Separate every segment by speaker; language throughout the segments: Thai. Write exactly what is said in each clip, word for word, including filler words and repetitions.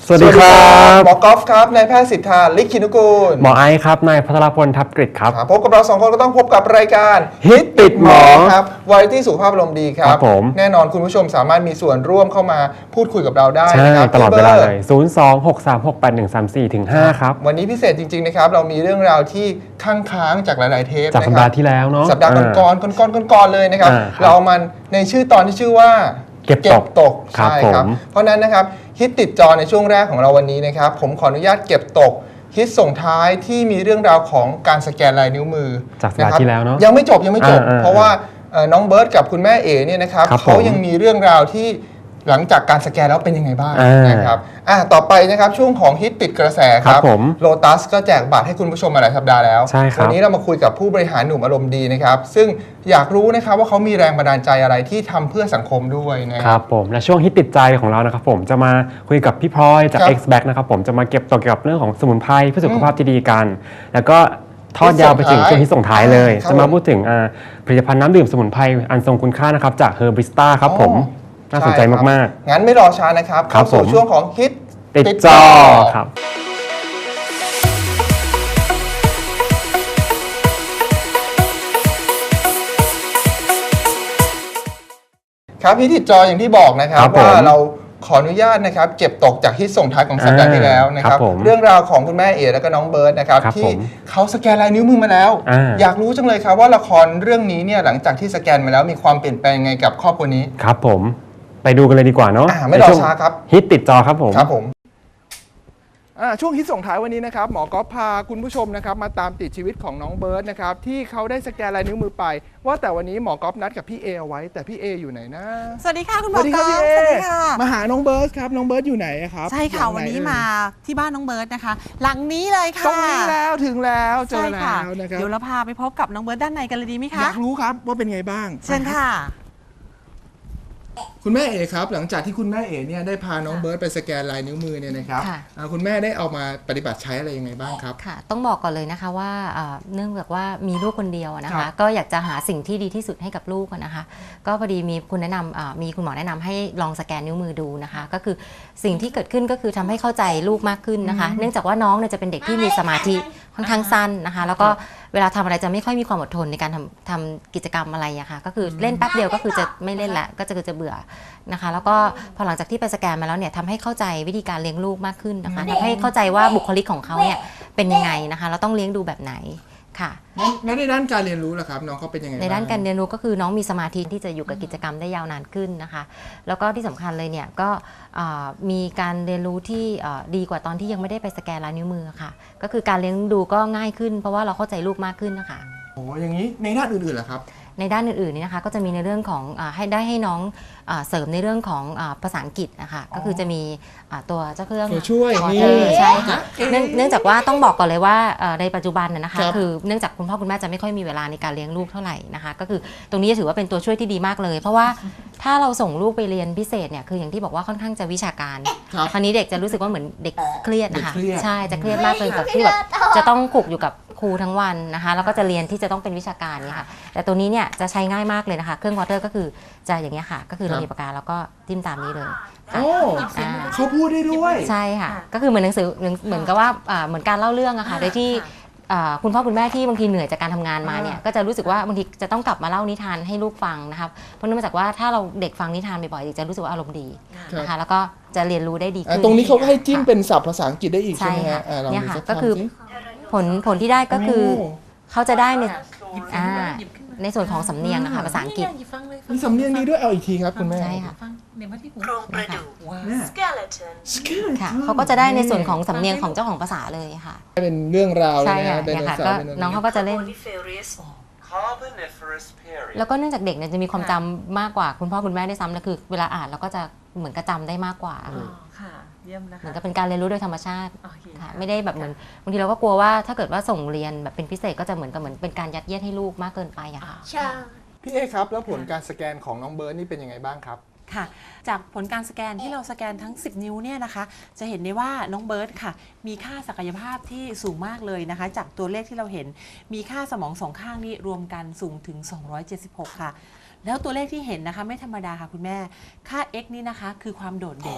Speaker 1: สวัสดีครับ
Speaker 2: หมอกอล์ฟครับนายแพทย์สิทธาลิขินุกูล
Speaker 1: หมอไอซ์ครับนายพัทรพลทับกฤษครับ
Speaker 2: พบกับเราสองคนก็ต้องพบกับรายการ
Speaker 1: ฮิตติดหมอ
Speaker 2: ครับวาไรตี้สุขภาพอารมณ์ดีครับแน่นอนคุณผู้ชมสามารถมีส่วนร่วมเข้ามาพูดคุยกับเราได้
Speaker 1: นะครับตลอดเวลาเลยศูนย์ สอง หก สาม หก แปด หนึ่ง สาม สี่ ถึง ห้าครับ
Speaker 2: วันนี้พิเศษจริงๆนะครับเรามีเรื่องราวที่ค้างค้างจากหลายๆเทป
Speaker 1: จากสัปดาห์ที่แล้วเนาะ
Speaker 2: สัปดาห์ก่อนๆก่อนๆก่อนๆเลยนะครับเราเอามันในชื่อตอนที่ชื่อว่า
Speaker 1: เก็บตก
Speaker 2: ตกใช่ครับเพราะนั้นนะครับฮิตติดจอในช่วงแรกของเราวันนี้นะครับผมขออนุญาตเก็บตกฮิตส่งท้ายที่มีเรื่องราวของการสแกนลายนิ้วมือ
Speaker 1: จากสัปดาห์ที่แล้วเนาะ
Speaker 2: ยังไม่จบยังไม่จบเพราะว่าน้องเบิร์ตกับคุณแม่เอ๋เนี่ยนะครับเขายังมีเรื่องราวที่หลังจากการสแกนแล้วเป็นยังไงบ้างนะครับอ่ะต่อไปนะครับช่วงของฮิตติดกระแสครับโลตัสก็แจกบัตรให้คุณผู้ชมมาหลายสัปดาห์แล้ววันนี้เรามาคุยกับผู้บริหารหนุ่มอารมณ์ดีนะครับซึ่งอยากรู้นะครับว่าเขามีแรงบันดาลใจอะไรที่ทำเพื่อสังคมด้วย
Speaker 1: นะครับผมและช่วงฮิตติดใจของเรานะครับผมจะมาคุยกับพี่พลอยจาก X Back นะครับผมจะมาเก็บตกเกี่ยวกับเรื่องของสมุนไพรเพื่อสุขภาพที่ดีกันแล้วก็ทอดยาวไปถึงช่วงที่ส่งท้ายเลยจะมาพูดถึงผลิตภัณฑ์น้ำดื่มสมุนไพรอันทรงคุณค่านะครับจาก Herbista ครับผมน่าสนใจมาก
Speaker 2: ๆงั้นไม่รอช้านะครับเข้าสู่ช่วงของฮิต
Speaker 1: ติดจอครับ
Speaker 2: ครับฮิตติดจออย่างที่บอกนะครับว่าเราขออนุญาตนะครับเก็บตกจากฮิตส่งท้ายของสัปดาห์ที่แล้วนะครับเรื่องราวของคุณแม่เอ๋และก็น้องเบิร์ตนะครับที่เขาสแกนลายนิ้วมือมาแล้วอยากรู้จังเลยครับว่าละครเรื่องนี้เนี่ยหลังจากที่สแกนมาแล้วมีความเปลี่ยนแปลงยังไงกับครอบครัวนี้
Speaker 1: ครับผมไปดูกันเลยดีกว่าเนาะ
Speaker 2: ไม่รอช้าครับ
Speaker 1: ฮิตติดจอครับผม
Speaker 2: ครับผมช่วงฮิตส่งท้ายวันนี้นะครับหมอก๊อฟพาคุณผู้ชมนะครับมาตามติดชีวิตของน้องเบิร์ตนะครับที่เขาได้สแกนลายนิ้วมือไปว่าแต่วันนี้หมอก๊อฟนัดกับพี่เอเอาไว้แต่พี่เออยู่ไหนนะ
Speaker 3: สวัสดีค่ะคุณหมอก๊อฟสวัสดีค่ะ
Speaker 2: มาหาน้องเบิร์ตครับน้องเบิร์ตอยู่ไหนครับ
Speaker 3: ใช่ค่ะวันนี้มาที่บ้านน้องเบิร์ตนะคะหลังนี้เลยค่ะ
Speaker 2: ตรงนี้แล้วถึงแล้วเจอแล้วนะครับ
Speaker 3: เดี๋ยวเราพาไปพบกับน้องเบิร์ตด้านในกันเลยดีไหมคะ
Speaker 2: อยากรู้ครับว่าเป็นไงบ้าง
Speaker 3: เชิญค่ะ
Speaker 2: คุณแม่เอ๋ครับหลังจากที่คุณแม่เอ๋เนี่ยได้พาน้องเบิร์ตไปสแกนลายนิ้วมือเนี่ยนะครับคุณแม่ได้เอามาปฏิบัติใช้อะไรยังไงบ้างครับ
Speaker 4: ค่ะต้องบอกก่อนเลยนะคะว่าเนื่องจากว่ามีลูกคนเดียวนะคะก็อยากจะหาสิ่งที่ดีที่สุดให้กับลูกนะคะก็พอดีมีคุณแนะนำมีคุณหมอแนะนำให้ลองสแกนนิ้วมือดูนะคะก็คือสิ่งที่เกิดขึ้นก็คือทำให้เข้าใจลูกมากขึ้นนะคะเนื่องจากว่าน้องเนี่ยจะเป็นเด็กที่มีสมาธิค่อนข้างสั้นนะคะแล้วก็เวลาทำอะไรจะไม่ค่อยมีความอดทนในการทำทำกิจกรรมอะไรอะค่ะก็คือเล่นแป๊บเดียวก็คือจะไม่เล่นละก็จะจะเบื่อนะคะแล้วก็พอหลังจากที่ไปสแกนมาแล้วเนี่ยทำให้เข้าใจวิธีการเลี้ยงลูกมากขึ้นนะคะทำให้เข้าใจว่าบุคลิกของเขาเนี่ยเป็นยังไงนะคะเราต้องเลี้ยงดูแบบไหนค่ะ
Speaker 2: แล้วในด้านการเรียนรู้ล่ะครับน้องเขาเป็นยังไง
Speaker 4: ในด้านการเรียนรู้ก็คือน้องมีสมาธิที่จะอยู่กับกิจกรรมได้ยาวนานขึ้นนะคะแล้วก็ที่สำคัญเลยเนี่ยก็มีการเรียนรู้ที่ดีกว่าตอนที่ยังไม่ได้ไปสแกนลายนิ้วมือค่ะก็คือการเลี้ยงดูก็ง่ายขึ้นเพราะว่าเราเข้าใจลูกมากขึ้นนะคะ
Speaker 2: โอ้อย่างนี้ในด้านอื่นๆล่ะครับ
Speaker 4: ในด้านอื่นๆนี่นะคะก็จะมีในเรื่องของให้ได้ให้น้องเสริมในเรื่องของภาษาอังกฤษนะคะก็คือจะมีตัวเจ้าเครื่อง
Speaker 2: ช่วย
Speaker 4: นี่ใช่ค่ะเนื่องจากว่าต้องบอกก่อนเลยว่าในปัจจุบันนะคะคือเนื่องจากคุณพ่อคุณแม่จะไม่ค่อยมีเวลาในการเลี้ยงลูกเท่าไหร่นะคะก็คือตรงนี้ถือว่าเป็นตัวช่วยที่ดีมากเลยเพราะว่าถ้าเราส่งลูกไปเรียนพิเศษเนี่ยคืออย่างที่บอกว่าค่อนข้างจะวิชาการคราวนี้เด็กจะรู้สึกว่าเหมือนเด็กเครียดนะคะใช่จะเครียดมากเลยกับที่แบบจะต้องขลุกอยู่กับครูทั้งวันนะคะแล้วก็จะเรียนที่จะต้องเป็นวิชาการเนี่ยค่ะแต่ตัวนี้เนี่ยจะใช้ง่ายมากเลยนะคะเครื่องวอเตอร์ก็คือจะอย่างเงี้ยค่ะก็คือเรามีปากกาแล้วก็จิ้มตามนี้เลย
Speaker 2: โอ้เขาพูดได้ด้วย
Speaker 4: ใช่ค่ะก็คือเหมือนหนังสือเหมือนกับว่าเหมือนการเล่าเรื่องอะค่ะโดยที่คุณพ่อคุณแม่ที่บางทีเหนื่อยจากการทำงานมาเนี่ยก็จะรู้สึกว่าบางทีจะต้องกลับมาเล่านิทานให้ลูกฟังนะครับเพราะเนื่องจากว่าถ้าเราเด็กฟังนิทานบ่อยๆจะรู้สึกว่าอารมณ์ดีนะคะแล้วก็จะเรียนรู้ได้ดีขึ้น
Speaker 2: ตรงนี้เขาก็ให้จิ้มเป็นศัพท์ภาษาอังกฤษได้อีกใช่ไหมฮะ
Speaker 4: เนี่ยค่ะก็คือผลผลที่ได้ก็คือเขาจะได้ในในส่วนของสำเนียงนะคะภาษาอังกฤษ
Speaker 2: มีสำเนียงนี้ด้วยเอาอีกทีครับคุณแม่
Speaker 4: ใช่ค่ะ
Speaker 5: โครงกระดูก skeleton
Speaker 4: ค่ะเขาก็จะได้ในส่วนของสำเนียงของเจ้าของภาษาเลยค่ะ
Speaker 2: เป็นเรื่องราว
Speaker 4: ใช่ค่ะก็น้องเขาก็จะเล่นแล้วก็เนื่องจากเด็กเนี่ยจะมีความจำมากกว่าคุณพ่อคุณแม่ได้ซ้ำนะคือเวลาอ่านเราก็จะเหมือนกระจำได้มากกว่าเหมือนกับเป็นการเรียนรู้โดยธรรมชาติค่ะไม่ได้แบบเหมือนบางทีเราก็กลัวว่าถ้าเกิดว่าส่งเรียนแบบเป็นพิเศษก็จะเหมือนกับเหมือนเป็นการยัดเยียดให้ลูกมากเกินไปอะค่ะ
Speaker 2: พี่เอครับแล้วผลการสแกนของน้องเบิร์ตนี่เป็นยังไงบ้างครับ
Speaker 3: ค่ะจากผลการสแกนที่เราสแกนทั้งสิบนิ้วเนี่ยนะคะจะเห็นได้ว่าน้องเบิร์ตค่ะมีค่าศักยภาพที่สูงมากเลยนะคะจากตัวเลขที่เราเห็นมีค่าสมองสองข้างนี้รวมกันสูงถึงสองร้อยเจ็ดสิบหกค่ะแล้วตัวเลขที่เห็นนะคะไม่ธรรมดาค่ะคุณแม่ค่า x นี่นะคะคือความโดดเด่น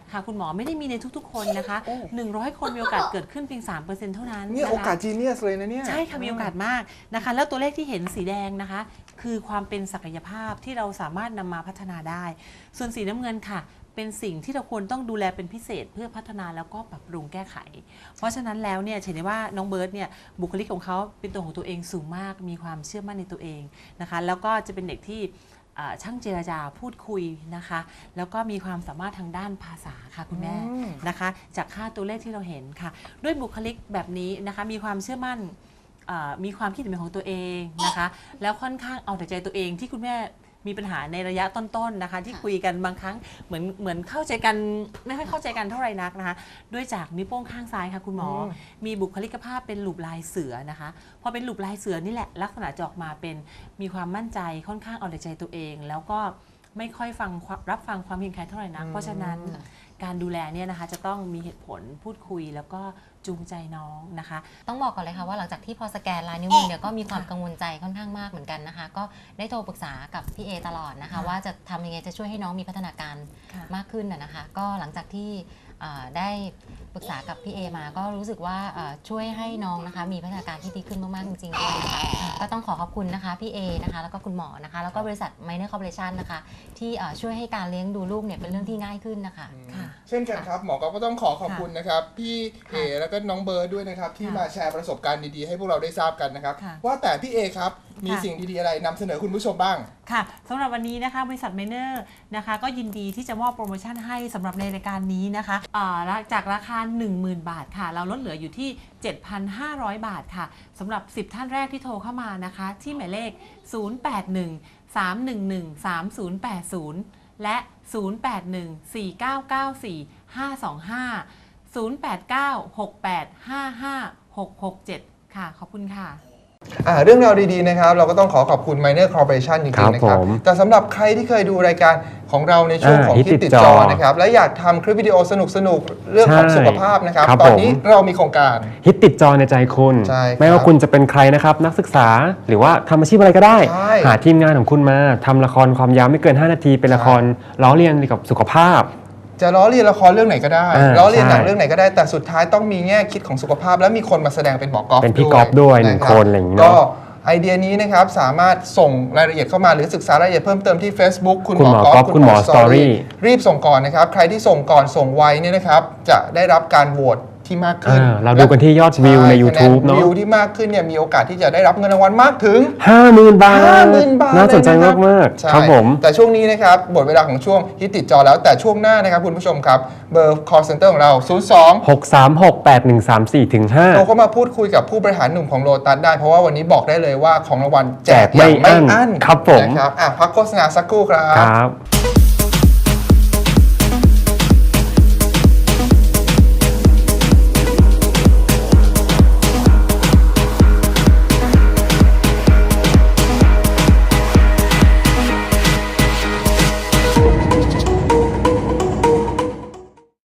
Speaker 3: ค่ะคุณหมอไม่ได้มีในทุกๆ คนนะคะ หนึ่งร้อยคนมีโอกาสเกิดขึ้นเพียง สามเปอร์เซ็นต์ เท่านั้น
Speaker 2: เนี่ย
Speaker 3: นะคะ
Speaker 2: โอกาสจีเนียสเลยนะเนี่ย
Speaker 3: ใช่ค่ะมีโอกาสมากนะคะ แล้วตัวเลขที่เห็นสีแดงนะคะ คือความเป็นศักยภาพที่เราสามารถนำมาพัฒนาได้ ส่วนสีน้ำเงินค่ะ เป็นสิ่งที่เราควรต้องดูแลเป็นพิเศษเพื่อพัฒนาแล้วก็ปรับปรุงแก้ไข เพราะฉะนั้นแล้วเนี่ยเห็นได้ว่าน้องเบิร์ตเนี่ยบุคลิกของเขาเป็นตัวของตัวเองสูงมาก มีความเชื่อมั่นในตัวเองนะคะ แล้วก็จะเป็นเด็กที่อ่าช่างเจรจาพูดคุยนะคะ แล้วก็มีความสามารถทางด้านภาษาค่ะคุณแม่
Speaker 2: อืม
Speaker 3: นะคะ จากค่าตัวเลขที่เราเห็นค่ะ ด้วยบุคลิกแบบนี้นะคะมีความเชื่อมั่น เอ่อมีความคิดเห็นเป็นของตัวเองนะคะ แล้วค่อนข้างเอาแต่ใจตัวเองที่คุณแม่มีปัญหาในระยะต้นๆนะคะ ที่คุยกันบางครั้งเหมือนเหมือนเข้าใจกันไม่ค่อยเข้าใจกันเท่าไหร่นักนะคะ ด้วยจากนิ้วโป้งข้างซ้ายค่ะคุณหมอ มีบุคลิกภาพเป็นหลูปลายเสือนะคะพอเป็นหลูปลายเสือนี่แหละลักษณะจะออกมาเป็นมีความมั่นใจค่อนข้างเอาแต่ใจตัวเอง แล้วก็ไม่ค่อยฟังรับฟังความเห็นใครเท่าไหร่นักเพราะฉะนั้นการดูแลเนี่ยนะคะจะต้องมีเหตุผลพูดคุยแล้วก็จูงใจน้องนะคะ
Speaker 4: ต้องบอกก่อนเลยค่ะว่าหลังจากที่พอสแกนลายนิ้วมือเนี่ยก็มีความกังวลใจค่อนข้างมากเหมือนกันนะคะ ก็ได้โทรปรึกษากับพี่เอตลอดนะคะ
Speaker 3: ค่ะ
Speaker 4: ว่าจะทำยังไงจะช่วยให้น้องมีพัฒนาการ
Speaker 3: ค่ะ
Speaker 4: มากขึ้นนะนะคะ ก็หลังจากที่เอ่อได้ปรึกษากับพี่เอมาก็รู้สึกว่าเอ่อช่วยให้น้องนะคะมีพัฒนาการที่ดีขึ้นมากๆจริงๆด้วยนะคะก็ต้องขอขอบคุณนะคะพี่เอนะคะแล้วก็คุณหมอนะคะแล้วก็บริษัท Minor Corporation นะคะที่เอ่อช่วยให้การเลี้ยงดูลูกเนี่ยเป็นเรื่องที่ง่ายขึ้นนะคะ
Speaker 3: ค่ะ
Speaker 2: เช่นกันครับหมอก็ต้องขอขอบคุณนะครับพี่เอแล้วก็น้องเบิร์ดด้วยนะครับที่
Speaker 3: ค่ะ
Speaker 2: มาแชร์ประสบการณ์ดีๆให้พวกเราได้ทราบกันนะครับ
Speaker 3: ค่ะ
Speaker 2: ว่าแต่พี่เอครับมี
Speaker 3: ค่ะ
Speaker 2: สิ่งดีๆอะไรนำเสนอคุณผู้ชมบ้าง
Speaker 3: ค่ะสำหรับวันนี้นะคะบริษัทเมเนอร์นะคะก็ยินดีที่จะมอบโปรโมชั่นให้สำหรับในรายการนี้นะคะอ่าจากราคา หนึ่งหมื่น บาทค่ะ เราลดเหลืออยู่ที่ เจ็ดพันห้าร้อย บาทค่ะสำหรับ สิบ ท่านแรกที่โทรเข้ามานะคะ ที่หมายเลข ศูนย์ แปด หนึ่ง สาม หนึ่ง หนึ่ง สาม ศูนย์ แปด ศูนย์ และ ศูนย์ แปด หนึ่ง สี่ เก้า เก้า สี่ ห้า สอง ห้า ศูนย์ แปด เก้า หก แปด ห้า ห้า หก หก เจ็ด ค่ะขอบคุณค่ะ
Speaker 2: อ่าเรื่องราวดีๆนะครับเราก็ต้องขอขอบคุณ Minor Corporation จริงๆนะครับ
Speaker 1: ครับผม
Speaker 2: แต่สำหรับใครที่เคยดูรายการของเราในช่วง
Speaker 1: อ่า
Speaker 2: ของ
Speaker 1: ฮิต
Speaker 2: ฮิต
Speaker 1: ติ
Speaker 2: ติ
Speaker 1: ด
Speaker 2: ด
Speaker 1: จ
Speaker 2: จ
Speaker 1: อ
Speaker 2: อนะครับและอยากทำคลิปวิดีโอสนุกๆ เรื่องของ
Speaker 1: ใช่
Speaker 2: สุขภาพนะครับ
Speaker 1: ครับ
Speaker 2: ตอน
Speaker 1: ผม
Speaker 2: นี้เรามีโครงการ
Speaker 1: ฮิตติดจอในใจคุณ
Speaker 2: ใช่ครับ
Speaker 1: ไม่ว่าคุณจะเป็นใครนะครับ นักศึกษาหรือว่าทำอาชีพอะไรก็ได้
Speaker 2: ใช่
Speaker 1: หาทีมงานของคุณมาทำละครความยาวไม่เกิน ห้า นาที เป็นละครล้อเลียนเกี่ยวกับสุขภาพ
Speaker 2: จะล้อเลียนละครเรื่องไหนก็ได้
Speaker 1: อ่า
Speaker 2: ล้อเลียนหนัง
Speaker 1: ใช่
Speaker 2: เรื่องไหนก็ได้แต่สุดท้ายต้องมีแง่คิดของสุขภาพ และมีคนมาแสดงเป็นหมอกอล์ฟ
Speaker 1: เป็นพี่กอล์ฟด้วยหนึ่ง
Speaker 2: ะรับ
Speaker 1: คนอะไรอย่างนี้เนอะ
Speaker 2: ก็ไอเดียนี้นะครับสามารถส่งรายละเอียดเข้ามาหรือศึกษารายละเอียดเพิ่มเติมที่ Facebook คุณ
Speaker 1: คุณ
Speaker 2: ห
Speaker 1: ห
Speaker 2: ม
Speaker 1: ม
Speaker 2: อ
Speaker 1: อก
Speaker 2: อ
Speaker 1: อ
Speaker 2: ล์
Speaker 1: ล์
Speaker 2: ฟ
Speaker 1: ฟ
Speaker 2: คุณหมอ
Speaker 1: คุณหมอ
Speaker 2: สตอรี่
Speaker 1: Story
Speaker 2: รีบส่งก่อนนะครับใครที่ส่งก่อนส่งไวเนี่ยนะครับจะได้รับการโหวตที่มากขึ้น
Speaker 1: อ่าเราดูกันที่ยอดวิวใน
Speaker 2: ช่
Speaker 1: YouTube
Speaker 2: คะแน
Speaker 1: เนอะ
Speaker 2: วิวที่มากขึ้นเนี่ยมีโอกาสที่จะได้รับเงินรางวัลมากถึง
Speaker 1: ห้าหมื่น บาท
Speaker 2: ห้าหมื่น บาท
Speaker 1: น่าสนใจ
Speaker 2: เลยะค
Speaker 1: มาก
Speaker 2: ใช่
Speaker 1: ๆครับผม
Speaker 2: แต่ช่วงนี้นะครับหมดเวลาของช่วงฮิตติดจอแล้วแต่ช่วงหน้านะครับคุณผู้ชมครับเบอร์ call center ของเรา ศูนย์ สอง
Speaker 1: หก สาม หก แปด หนึ่ง สาม สี่ ถึง ห้า
Speaker 2: โทรเข้ามาพูดคุยกับผู้บริหารหนุ่มของโลตัสได้ เพราะว่าวันนี้บอกได้เลยว่าของรางวัลแจก
Speaker 1: แจกไม่
Speaker 2: อย่างไม่
Speaker 1: อั้น
Speaker 2: อั้น
Speaker 1: ครับผม
Speaker 2: นะครับอ่ะพักโฆษณาสักครู่ครับ
Speaker 1: ครับ